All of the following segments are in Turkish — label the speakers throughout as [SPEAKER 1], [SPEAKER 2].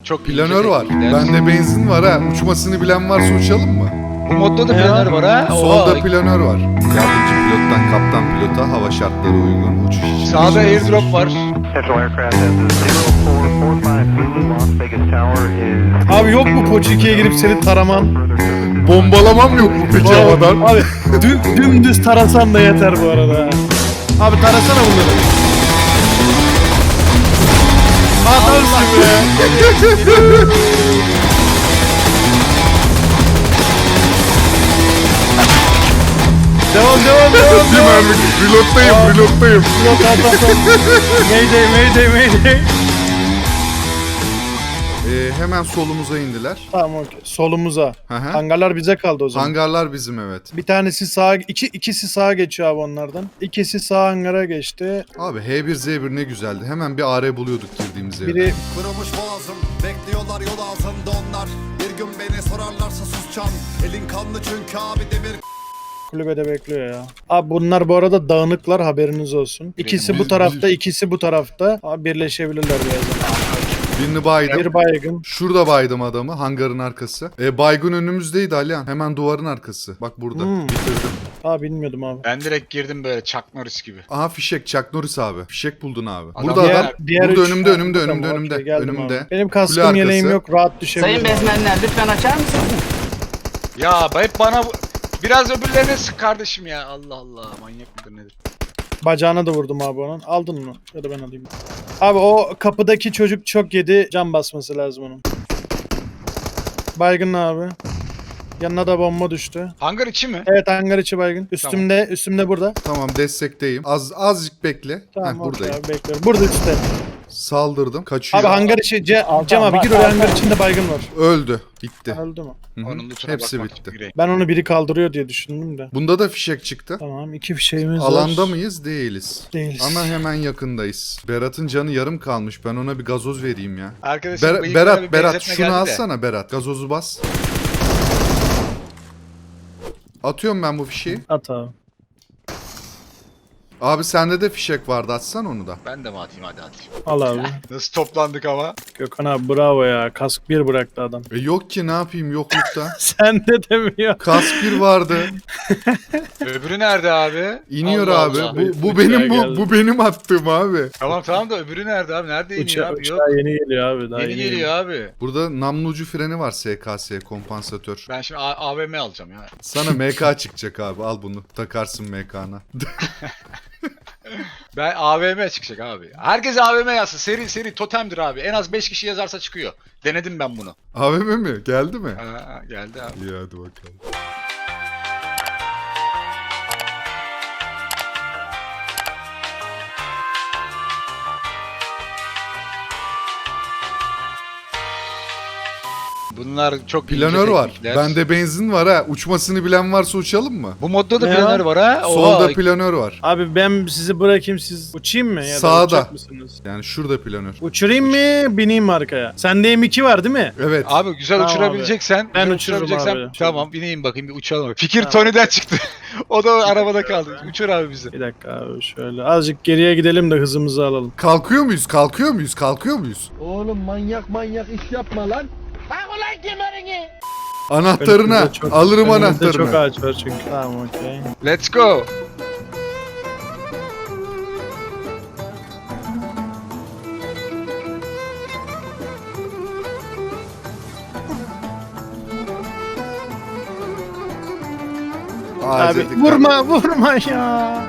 [SPEAKER 1] çok
[SPEAKER 2] Planör
[SPEAKER 1] ince
[SPEAKER 2] var.
[SPEAKER 1] teknikler.
[SPEAKER 2] Bende benzin var ha. Uçmasını bilen varsa uçalım mı?
[SPEAKER 1] Bu modda da planör var ha.
[SPEAKER 2] Solda
[SPEAKER 1] Oha.
[SPEAKER 2] planör var. Yardımcı pilottan kaptan pilota hava şartları uygun uçuş için.
[SPEAKER 1] Sağda airdrop var.
[SPEAKER 3] Central Aircraft has a 0445 Zulu, Las Vegas Tower is...
[SPEAKER 4] Abi yok mu Poçiki'ye girip seni taraman?
[SPEAKER 2] Bombalamam yok mu peki havadan?
[SPEAKER 4] Abi dümdüz tarasan da yeter bu arada. Abi tarasana bunları. Adamsın be. Devam.
[SPEAKER 2] Bir mermi. Reload'dayım.
[SPEAKER 4] Yok adam. Mayday.
[SPEAKER 2] Hemen solumuza indiler.
[SPEAKER 4] Tamam okey. Solumuza.
[SPEAKER 2] Hı hı.
[SPEAKER 4] Hangarlar bize kaldı o zaman.
[SPEAKER 2] Hangarlar bizim evet.
[SPEAKER 4] Bir tanesi sağa, ikisi sağa geçiyor abi onlardan. İkisi sağ hangara geçti.
[SPEAKER 2] Abi H1Z1 ne güzeldi. Hemen bir AR buluyorduk girdiğimiz yerde.
[SPEAKER 4] Biri
[SPEAKER 5] Kırılmış boğazım, bekliyorlar yol altında onlar. Bir gün beni sorarlarsa susacağım. Elin kanlı çünkü abi demir.
[SPEAKER 4] kulübede bekliyor ya. Abi bunlar bu arada dağınıklar, haberiniz olsun. İkisi bu tarafta, ikisi bu tarafta. Abi birleşebilirler birazdan.
[SPEAKER 2] Birini baydım.
[SPEAKER 4] Bir baygın.
[SPEAKER 2] Şurada baydım adamı. Hangarın arkası. Baygın önümüzdeydi Alihan. Hemen duvarın arkası. Bak burada. Bitirdim.
[SPEAKER 4] Aa bilmiyordum abi.
[SPEAKER 1] Ben direkt girdim böyle Chuck Norris gibi.
[SPEAKER 2] Aha fişek. Chuck Norris abi. Fişek buldun abi.
[SPEAKER 1] Adam
[SPEAKER 2] Burada
[SPEAKER 1] diğer-
[SPEAKER 2] adam.
[SPEAKER 4] Diğer
[SPEAKER 2] Burada
[SPEAKER 4] üç-
[SPEAKER 2] önümde.
[SPEAKER 4] Tamam, okey, geldim
[SPEAKER 2] Önümde.
[SPEAKER 4] abi. Benim
[SPEAKER 2] Kule
[SPEAKER 4] kaskım
[SPEAKER 2] arkası.
[SPEAKER 4] yeleğim yok, rahat düşebilirim.
[SPEAKER 6] Sayın bezmenler lütfen açar mısınız?
[SPEAKER 1] Ya hep bana biraz öbürlerine sık kardeşim ya. Allah Allah, manyak mıdır nedir?
[SPEAKER 4] Bacağına da vurdum abi onun. Aldın mı? Ya da ben alayım. Abi o kapıdaki çocuk çok yedi. Can basması lazım onun. Baygın abi. Yanına da bomba düştü.
[SPEAKER 1] Hangar içi mi?
[SPEAKER 4] Evet hangar içi baygın. Üstümde burada.
[SPEAKER 2] Tamam destekteyim. Azıcık bekle.
[SPEAKER 4] Tamam
[SPEAKER 2] Heh,
[SPEAKER 4] okey
[SPEAKER 2] buradayım.
[SPEAKER 4] abi bekliyorum. Burada üstte.
[SPEAKER 2] Kaçırdım. Kaçıyor.
[SPEAKER 4] Abi hangar içi Cem abi gir oraya, hangar içinde baygın var.
[SPEAKER 2] Öldü. Bitti.
[SPEAKER 4] Öldü mü?
[SPEAKER 2] Hı hı.
[SPEAKER 1] Onun lootuna
[SPEAKER 2] Hepsi
[SPEAKER 1] bakmak
[SPEAKER 2] bitti.
[SPEAKER 1] gireyim.
[SPEAKER 4] Ben onu biri kaldırıyor diye düşündüm de.
[SPEAKER 2] Bunda da fişek çıktı.
[SPEAKER 4] Tamam, iki fişeğimiz var.
[SPEAKER 2] Alanda mıyız? Değiliz.
[SPEAKER 4] Değiliz.
[SPEAKER 2] Ama hemen yakındayız. Berat'ın canı yarım kalmış. Ben ona bir gazoz vereyim ya.
[SPEAKER 1] Arkadaşım bıyıklara bir
[SPEAKER 2] Berat
[SPEAKER 1] benzetme
[SPEAKER 2] şunu
[SPEAKER 1] geldi de.
[SPEAKER 2] alsana Berat. Gazozu bas. Atıyorum ben bu fişeği.
[SPEAKER 4] At abi.
[SPEAKER 2] Abi sende de fişek vardı. Atsan onu da.
[SPEAKER 1] Ben de mi atayım, hadi atayım.
[SPEAKER 4] Al abi.
[SPEAKER 1] Nasıl toplandık ama?
[SPEAKER 4] Gökhan abi bravo ya. Kask 1 bıraktı adam.
[SPEAKER 2] Yok ki ne yapayım yoklukta.
[SPEAKER 4] Sen de demiyor.
[SPEAKER 2] Kask bir vardı.
[SPEAKER 1] Öbürü nerede abi?
[SPEAKER 2] İniyor
[SPEAKER 1] Allah
[SPEAKER 2] abi.
[SPEAKER 1] Allah.
[SPEAKER 2] Bu
[SPEAKER 4] Uçağa
[SPEAKER 2] benim
[SPEAKER 4] geldi.
[SPEAKER 2] bu benim attığım abi.
[SPEAKER 1] Tamam da öbürü nerede abi? Nerede iniyor abi? Yok.
[SPEAKER 4] Uçağa yeni geliyor abi. Daha
[SPEAKER 1] Yeni geliyor abi.
[SPEAKER 2] Burada namlu ucu freni var SKS kompansatör.
[SPEAKER 1] Ben şimdi AVM alacağım ya.
[SPEAKER 2] Sana MK çıkacak abi. Al bunu. Takarsın MK'na.
[SPEAKER 1] Ben AVM çıkacak abi. Herkes AVM yazsın. Seri totemdir abi. En az 5 kişi yazarsa çıkıyor. Denedim ben bunu.
[SPEAKER 2] AVM mi? Geldi mi?
[SPEAKER 1] Geldi abi.
[SPEAKER 2] İyi hadi bakalım.
[SPEAKER 1] Bunlar çok ince
[SPEAKER 2] Planör var.
[SPEAKER 1] teknikler.
[SPEAKER 2] Bende benzin var ha. Uçmasını bilen varsa uçalım mı?
[SPEAKER 1] Bu modda da
[SPEAKER 4] Ne
[SPEAKER 1] planör
[SPEAKER 4] ya?
[SPEAKER 1] var ha.
[SPEAKER 2] Solda
[SPEAKER 1] Oha.
[SPEAKER 2] planör var.
[SPEAKER 4] Abi ben sizi bırakayım, siz uçayım mı? Ya da
[SPEAKER 2] Sağda.
[SPEAKER 4] uçacak mısınız?
[SPEAKER 2] Yani şurada planör.
[SPEAKER 4] Uçurayım mı, bineyim mi arkaya? Sende M2 var değil mi?
[SPEAKER 2] Evet.
[SPEAKER 1] Abi güzel
[SPEAKER 4] Tamam
[SPEAKER 1] uçurabileceksen.
[SPEAKER 4] Ben
[SPEAKER 1] güzel
[SPEAKER 4] uçururum
[SPEAKER 1] uçurabileceksen-
[SPEAKER 4] abi.
[SPEAKER 1] Tamam bineyim bakayım bir uçalım. Fikir Tony'den çıktı. O da arabada kaldı. Uçur abi bizi.
[SPEAKER 4] Bir dakika abi şöyle. Azıcık geriye gidelim de hızımızı alalım.
[SPEAKER 2] Kalkıyor muyuz?
[SPEAKER 7] Oğlum manyak iş yapma lan.
[SPEAKER 2] Anahtarına.
[SPEAKER 4] Önümüzde çok-
[SPEAKER 2] Alırım
[SPEAKER 4] önümüzde çok
[SPEAKER 2] anahtarını.
[SPEAKER 4] ağaç var çünkü. Tamam okey.
[SPEAKER 1] Let's go.
[SPEAKER 4] Abi
[SPEAKER 2] Ağaca
[SPEAKER 4] vurma ya.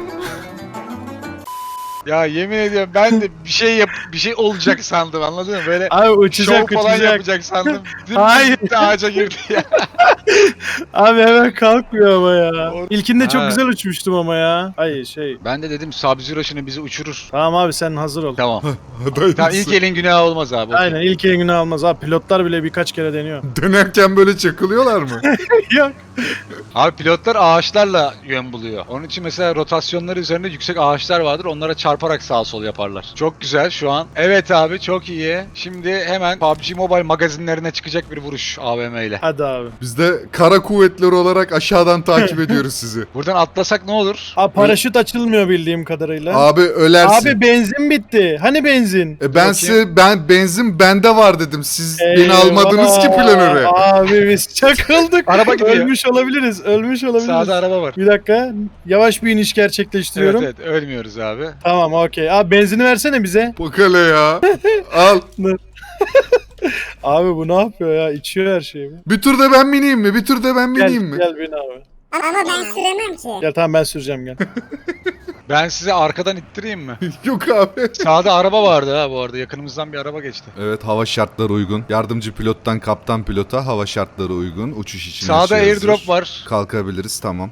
[SPEAKER 1] Ya yemin ediyorum ben de bir şey olacak sandım, anladın mı? Böyle
[SPEAKER 4] Abi
[SPEAKER 1] şov
[SPEAKER 4] uçacak
[SPEAKER 1] falan
[SPEAKER 4] uçacak.
[SPEAKER 1] yapacak sandım.
[SPEAKER 4] Hayır.
[SPEAKER 1] Gitti, ağaca girdi ya.
[SPEAKER 4] Abi hemen kalkmıyor ama ya.
[SPEAKER 1] O-
[SPEAKER 4] İlkinde çok
[SPEAKER 1] Ha.
[SPEAKER 4] güzel uçmuştum ama ya. Hayır şey.
[SPEAKER 1] Ben de dedim Sub-Zero şimdi bizi uçurur.
[SPEAKER 4] Tamam abi sen hazır ol.
[SPEAKER 1] Tamam.
[SPEAKER 2] Dayısı.
[SPEAKER 1] Tamam ilk elin günahı olmaz abi. okey.
[SPEAKER 4] Aynen ilk elini almaz abi. Pilotlar bile birkaç kere deniyor.
[SPEAKER 2] Dönerken böyle çakılıyorlar mı?
[SPEAKER 4] Yok.
[SPEAKER 1] Abi pilotlar ağaçlarla yön buluyor. Onun için mesela rotasyonları üzerinde yüksek ağaçlar vardır. Onlara çarparak sağa sol yaparlar. Çok güzel şu an. Evet abi çok iyi. Şimdi hemen PUBG Mobile magazinlerine çıkacak bir vuruş AVM ile.
[SPEAKER 4] Hadi abi.
[SPEAKER 2] Bizde kara kuvvetleri olarak aşağıdan takip ediyoruz sizi.
[SPEAKER 1] Buradan atlasak ne olur?
[SPEAKER 4] Abi paraşüt açılmıyor bildiğim kadarıyla.
[SPEAKER 2] Abi ölersin.
[SPEAKER 4] Abi benzin bitti. Hani benzin?
[SPEAKER 2] Ben benzin bende var dedim. Siz beni almadınız ki planöre.
[SPEAKER 4] Abi biz çakıldık.
[SPEAKER 1] Araba gidiyor.
[SPEAKER 4] Ölmüş olabiliriz. Ölmüş olabiliriz.
[SPEAKER 1] Sağda araba var.
[SPEAKER 4] Bir dakika. Yavaş bir iniş gerçekleştiriyorum.
[SPEAKER 1] Evet ölmüyoruz abi.
[SPEAKER 4] Tamam okey. Abi benzini versene bize.
[SPEAKER 2] Bak hele ya. Al.
[SPEAKER 4] Abi bu ne yapıyor ya? İçiyor her şeyi.
[SPEAKER 2] Bir tur da ben bineyim mi? Bir tur da ben
[SPEAKER 4] Gel,
[SPEAKER 2] bineyim mi?
[SPEAKER 4] gel bin abi.
[SPEAKER 8] Ama ben süremem ki.
[SPEAKER 4] Gel tamam ben süreceğim gel.
[SPEAKER 1] Ben size arkadan ittireyim mi?
[SPEAKER 2] Yok abi.
[SPEAKER 1] Sağda araba vardı ha bu arada. Yakınımızdan bir araba geçti.
[SPEAKER 2] Evet, hava şartları uygun. Yardımcı pilottan kaptan pilota hava şartları uygun. Uçuş için
[SPEAKER 1] Sağda
[SPEAKER 2] her şey hazır.
[SPEAKER 1] airdrop var.
[SPEAKER 2] Kalkabiliriz, tamam.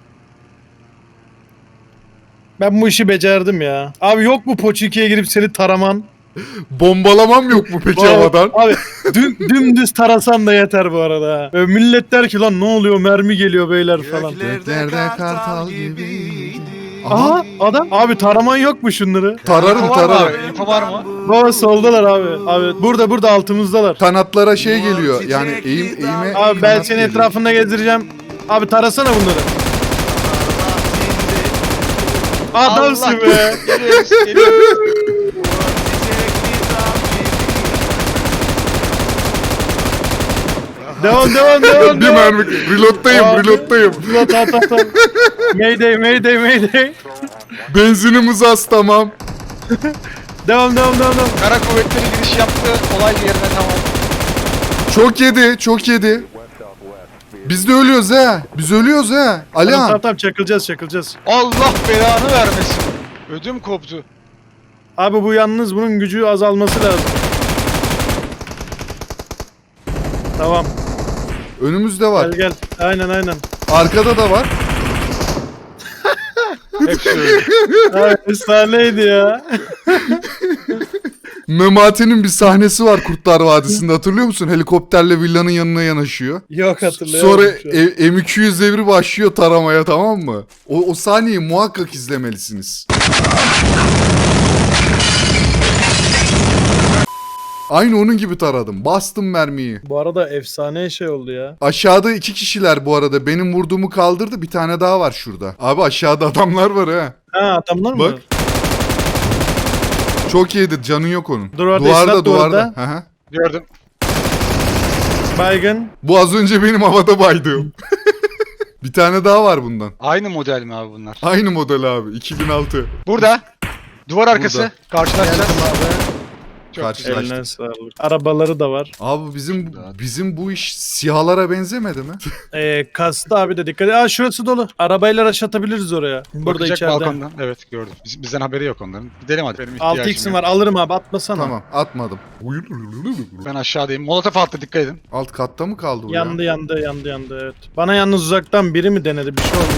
[SPEAKER 4] Ben bu işi becerdim ya. Abi yok mu Poçiki'ye girip seni taraman?
[SPEAKER 2] Bombalamam yok mu peki havadan?
[SPEAKER 4] Abi dümdüz tarasan da yeter bu arada. Ha. Böyle millet der ki lan ne oluyor mermi geliyor beyler falan.
[SPEAKER 2] Göklerde kartal gibi.
[SPEAKER 4] Aha adam. Abi taraman yok mu şunları?
[SPEAKER 2] Tararım
[SPEAKER 1] İnfo var mı
[SPEAKER 2] tararım.
[SPEAKER 1] abi? İnfo var mı?
[SPEAKER 4] Baba soldalar abi. Abi burada altımızdalar.
[SPEAKER 2] Kanatlara şey geliyor. Yani eğime
[SPEAKER 4] Abi ben
[SPEAKER 2] kanat
[SPEAKER 4] seni
[SPEAKER 2] geliyor.
[SPEAKER 4] etrafında gezdireceğim. Abi tarasana bunları. Adamsın
[SPEAKER 1] Allah.
[SPEAKER 4] be.
[SPEAKER 1] Geliyoruz.
[SPEAKER 4] Devam.
[SPEAKER 2] Bir mermi. Reload'dayım,
[SPEAKER 4] Abi.
[SPEAKER 2] reload'dayım.
[SPEAKER 4] Tamam. Mayday.
[SPEAKER 2] Benzinimiz az, tamam.
[SPEAKER 4] Devam.
[SPEAKER 1] Kara kuvvetleri giriş yaptı. Olay yerine tamam.
[SPEAKER 2] Çok yedi. Biz de ölüyoruz ha. Biz ölüyoruz ha. Alihan.
[SPEAKER 4] Tamam çakılacağız.
[SPEAKER 1] Allah belanı vermesin. Ödüm koptu.
[SPEAKER 4] Abi bu yalnız bunun gücü azalması lazım. Tamam.
[SPEAKER 2] Önümüzde var.
[SPEAKER 4] Gel. Aynen.
[SPEAKER 2] Arkada da var.
[SPEAKER 1] Hepsi öyle.
[SPEAKER 4] Abi efsaneydi ya.
[SPEAKER 2] Memati'nin bir sahnesi var Kurtlar Vadisi'nde, hatırlıyor musun? Helikopterle villanın yanına yanaşıyor.
[SPEAKER 4] Yok hatırlayamadım.
[SPEAKER 2] Sonra
[SPEAKER 4] şu an.
[SPEAKER 2] M200 devri başlıyor taramaya, tamam mı? O sahneyi muhakkak izlemelisiniz. Aynı onun gibi taradım. Bastım mermiyi.
[SPEAKER 4] Bu arada efsane şey oldu ya.
[SPEAKER 2] Aşağıda 2 kişiler bu arada. Benim vurduğumu kaldırdı. Bir tane daha var şurada. Abi aşağıda adamlar var ha.
[SPEAKER 4] Ha adamlar mı?
[SPEAKER 2] Bak. Çok iyiydi. Canın yok onun.
[SPEAKER 4] Duvarda,
[SPEAKER 2] Duvarda.
[SPEAKER 4] esnaf duvarda.
[SPEAKER 2] Hı hı.
[SPEAKER 1] Gördüm.
[SPEAKER 4] Baygın.
[SPEAKER 2] Bu az önce benim havada baydığım. Bir tane daha var bundan.
[SPEAKER 1] Aynı model mi abi bunlar?
[SPEAKER 2] Aynı model abi. 2006.
[SPEAKER 1] Burada. Duvar arkası.
[SPEAKER 2] Burada.
[SPEAKER 1] Karşılaşacağız. Çok
[SPEAKER 2] Karşılaştık.
[SPEAKER 1] güzel.
[SPEAKER 4] Eline sağlık. Arabaları da var.
[SPEAKER 2] Abi bizim bu iş siyahlara benzemedi mi?
[SPEAKER 4] Kastı abi de dikkat et. Aa şurası dolu. Arabayla rush atabiliriz oraya. Burada
[SPEAKER 1] Bakacak
[SPEAKER 4] içeride.
[SPEAKER 1] balkondan. Evet gördüm. Bizden haberi yok onların. Gidelim hadi. Benim ihtiyacım
[SPEAKER 4] 6x'im
[SPEAKER 1] yok.
[SPEAKER 4] var alırım abi atmasana.
[SPEAKER 2] Tamam, atmadım.
[SPEAKER 1] Ben aşağıdayım. Molotof attı, dikkat edin.
[SPEAKER 2] Alt katta mı kaldı bu ya?
[SPEAKER 4] Yandı evet. Bana yalnız uzaktan biri mi denedi bir şey oldu.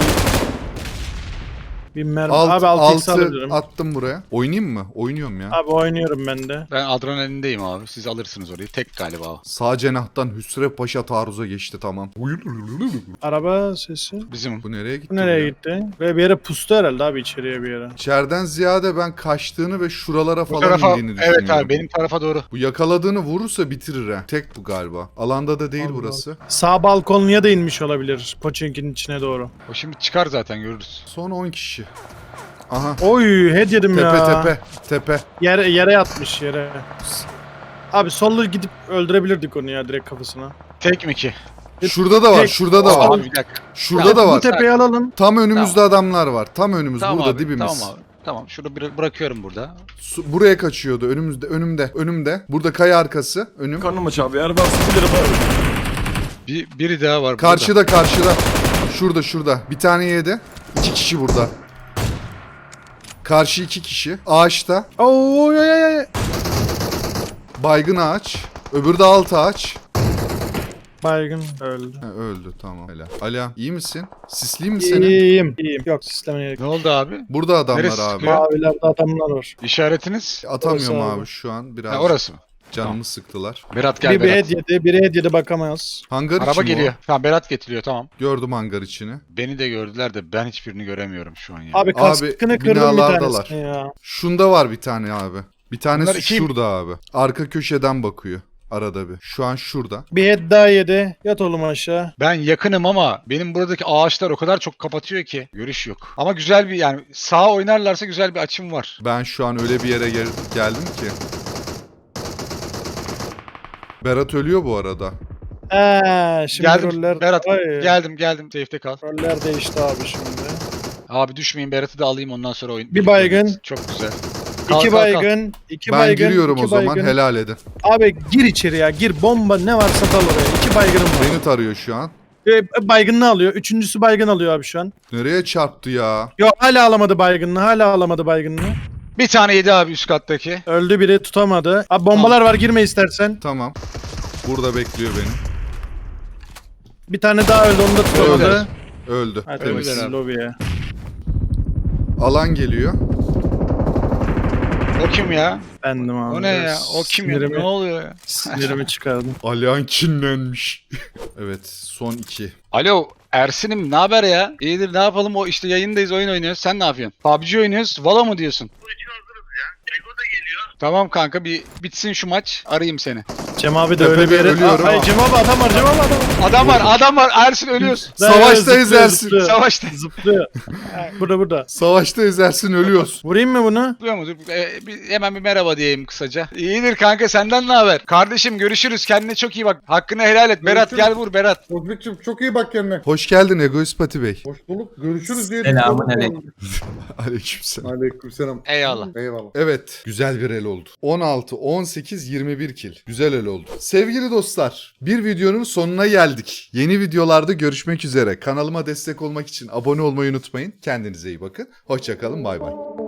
[SPEAKER 4] Bir mermi. Abi 6x
[SPEAKER 2] Altı
[SPEAKER 4] alabilirim.
[SPEAKER 2] attım buraya. Oynayayım mı? Oynuyorum ya.
[SPEAKER 4] Abi oynuyorum ben de.
[SPEAKER 1] Ben adrenalindeyim abi. Siz alırsınız orayı. Tek galiba o.
[SPEAKER 2] Sağ cenahtan Hüsrev Paşa taarruza geçti, tamam.
[SPEAKER 4] Araba sesi.
[SPEAKER 1] Bizim.
[SPEAKER 2] Bu nereye gitti?
[SPEAKER 4] Bu nereye
[SPEAKER 2] ya?
[SPEAKER 4] gitti? Ve bir yere pustu herhalde abi içeriye bir yere.
[SPEAKER 2] İçeriden ziyade ben kaçtığını ve şuralara
[SPEAKER 1] Bu
[SPEAKER 2] falan
[SPEAKER 1] tarafa.
[SPEAKER 2] indiğini düşünüyorum.
[SPEAKER 1] Evet abi benim tarafa doğru.
[SPEAKER 2] Bu yakaladığını vurursa bitirir ha. Tek bu galiba. Alanda da değil
[SPEAKER 4] Allah
[SPEAKER 2] burası.
[SPEAKER 4] Sağ balkonluya da inmiş olabilir. Poçink'in içine doğru.
[SPEAKER 1] O şimdi çıkar zaten görürüz.
[SPEAKER 2] Son 10 kişi. Aha.
[SPEAKER 4] Oy head yedim
[SPEAKER 2] Tepe
[SPEAKER 4] ya.
[SPEAKER 2] tepe.
[SPEAKER 4] Yere yatmış yere. Abi sollu gidip öldürebilirdik onu ya direkt kafasına.
[SPEAKER 1] Tek mi ki?
[SPEAKER 2] Şurada da var,
[SPEAKER 4] Tek-
[SPEAKER 2] şurada da var.
[SPEAKER 1] Abi bir dakika.
[SPEAKER 2] Şurada da
[SPEAKER 4] Bu
[SPEAKER 2] var.
[SPEAKER 4] tepeyi alalım.
[SPEAKER 2] Tam önümüzde adamlar var. Tam önümüz,
[SPEAKER 1] Tamam
[SPEAKER 2] burada
[SPEAKER 1] abi,
[SPEAKER 2] dibimiz.
[SPEAKER 1] Tamam abi. Tamam şunu bırakıyorum burada.
[SPEAKER 2] Buraya kaçıyordu. Önümde. Burada kaya arkası. Önüm.
[SPEAKER 7] Karnım aç abi. Eğer varsa bilirim abi.
[SPEAKER 1] Biri daha var
[SPEAKER 2] Karşıda. Şurada. Bir tane yedi. 2 kişi burada. Karşı 2 kişi. Ağaçta.
[SPEAKER 4] Oy oy oy.
[SPEAKER 2] Baygın ağaç. Öbürü de alt ağaç.
[SPEAKER 4] Baygın öldü.
[SPEAKER 2] Ha, öldü, tamam. Helal. Ala iyi misin? Sisliyim mi senin?
[SPEAKER 4] İyiyim. Yok sistemine gerek.
[SPEAKER 1] Ne oldu abi?
[SPEAKER 2] Burada adamlar
[SPEAKER 1] Neresi
[SPEAKER 2] abi.
[SPEAKER 1] sıkıyor?
[SPEAKER 4] Mavilerde adamlar var.
[SPEAKER 1] İşaretiniz?
[SPEAKER 2] Atamıyorum
[SPEAKER 4] Orası
[SPEAKER 2] abi
[SPEAKER 4] abi.
[SPEAKER 2] şu an. Biraz
[SPEAKER 1] Ha, orası mı?
[SPEAKER 2] canımı sıktılar.
[SPEAKER 1] Berat gel
[SPEAKER 4] Biri bir
[SPEAKER 1] Berat.
[SPEAKER 4] head yedi, biri head yedi bakamaz.
[SPEAKER 2] Hangar
[SPEAKER 1] Araba
[SPEAKER 2] içi mi
[SPEAKER 1] geliyor. Tamam Berat getiriyor tamam.
[SPEAKER 2] o? Gördüm hangar içini.
[SPEAKER 1] Beni de gördüler de ben hiçbirini göremiyorum şu an ya.
[SPEAKER 4] Abi kaskını kırdım bir
[SPEAKER 2] binalardalar.
[SPEAKER 4] tanesini ya.
[SPEAKER 2] Şunda var bir tane abi. Bir tanesi
[SPEAKER 1] Bunlar iki-
[SPEAKER 2] şurada abi. Arka köşeden bakıyor. arada bir. Şu an şurada.
[SPEAKER 4] Bir head daha yedi. Yat oğlum aşağı.
[SPEAKER 1] Ben yakınım ama benim buradaki ağaçlar o kadar çok kapatıyor ki görüş yok. Ama güzel bir yani sağa oynarlarsa güzel bir açım var.
[SPEAKER 2] Ben şu an öyle bir yere geldim ki. Berat ölüyor bu arada.
[SPEAKER 4] Şimdi
[SPEAKER 1] Geldim
[SPEAKER 4] roller...
[SPEAKER 1] Berat.
[SPEAKER 4] Ay,
[SPEAKER 1] Geldim. Safe'de kal.
[SPEAKER 4] roller değişti abi şimdi.
[SPEAKER 1] Abi düşmeyin, Berat'ı da alayım ondan sonra oyun.
[SPEAKER 4] Bir baygın.
[SPEAKER 1] Çok güzel.
[SPEAKER 4] İki baygın. İki
[SPEAKER 2] Ben
[SPEAKER 4] baygın.
[SPEAKER 2] giriyorum
[SPEAKER 4] iki
[SPEAKER 2] o zaman,
[SPEAKER 4] baygın.
[SPEAKER 2] helal edin.
[SPEAKER 4] Abi gir içeri ya. Gir. Bomba ne varsa dal oraya. İki baygınım var.
[SPEAKER 2] Beni tarıyor şu an.
[SPEAKER 4] Baygınını alıyor. Üçüncüsü baygın alıyor abi şu an.
[SPEAKER 2] Nereye çarptı ya?
[SPEAKER 4] Yok hala alamadı baygınını.
[SPEAKER 1] Bir tane yedi abi üst kattaki.
[SPEAKER 4] Öldü biri tutamadı. Abi bombalar var girme istersen.
[SPEAKER 2] Tamam. Burada bekliyor beni.
[SPEAKER 4] Bir tane daha öldü onu da tutamadı.
[SPEAKER 2] Öldü.
[SPEAKER 4] Hadi
[SPEAKER 2] Temiz.
[SPEAKER 1] Öldüler abi.
[SPEAKER 4] lobiye.
[SPEAKER 2] Alan geliyor.
[SPEAKER 1] O kim ya?
[SPEAKER 4] Bendim abi.
[SPEAKER 1] O ne ya? O kim ya?
[SPEAKER 4] Sinirimi-
[SPEAKER 1] Ne oluyor ya?
[SPEAKER 4] Sinirimi çıkardım.
[SPEAKER 2] Alihan kinlenmiş. Evet, son 2.
[SPEAKER 1] Alo Ersin'im, ne haber ya? İyidir, ne yapalım, o işte yayındayız, oyun oynuyoruz. Sen ne yapıyorsun? PUBG oynuyoruz. Valo mu diyorsun? Tamam kanka, bir bitsin şu maç, arayayım seni.
[SPEAKER 4] Cem abi de
[SPEAKER 2] Tepede
[SPEAKER 4] öyle bir yere...
[SPEAKER 2] ölüyorum.
[SPEAKER 4] Ay Cem abi adam var.
[SPEAKER 1] Adam var Ersin, ölüyoruz.
[SPEAKER 2] Savaşta
[SPEAKER 4] Zıplıyor,
[SPEAKER 2] ezersin.
[SPEAKER 4] zıplıyor.
[SPEAKER 1] Savaşta.
[SPEAKER 4] Zıplıyor. burada.
[SPEAKER 2] Savaşta ezersin, ölüyoruz.
[SPEAKER 4] Vurayım mı bunu?
[SPEAKER 1] Duyuyor musun? Hemen bir merhaba diyeyim kısaca. İyidir kanka, senden ne haber? Kardeşim görüşürüz, kendine çok iyi bak. Hakkını helal et. Berat gel vur Berat.
[SPEAKER 9] Bozbek'cim çok iyi bak kendine.
[SPEAKER 2] Hoş geldin Egoist Pati Bey.
[SPEAKER 9] Hoş bulduk. Görüşürüz diye.
[SPEAKER 6] Selamünaleyküm.
[SPEAKER 2] Aleykümselam.
[SPEAKER 9] Aleykümselam.
[SPEAKER 1] Eyvallah.
[SPEAKER 9] Eyvallah.
[SPEAKER 2] Evet, güzel bir el oldu. 16, 18, 21 kill. Güzel el oldu. Sevgili dostlar, bir videonun sonuna geldik. Yeni videolarda görüşmek üzere. Kanalıma destek olmak için abone olmayı unutmayın. Kendinize iyi bakın. Hoşça kalın, bay bay.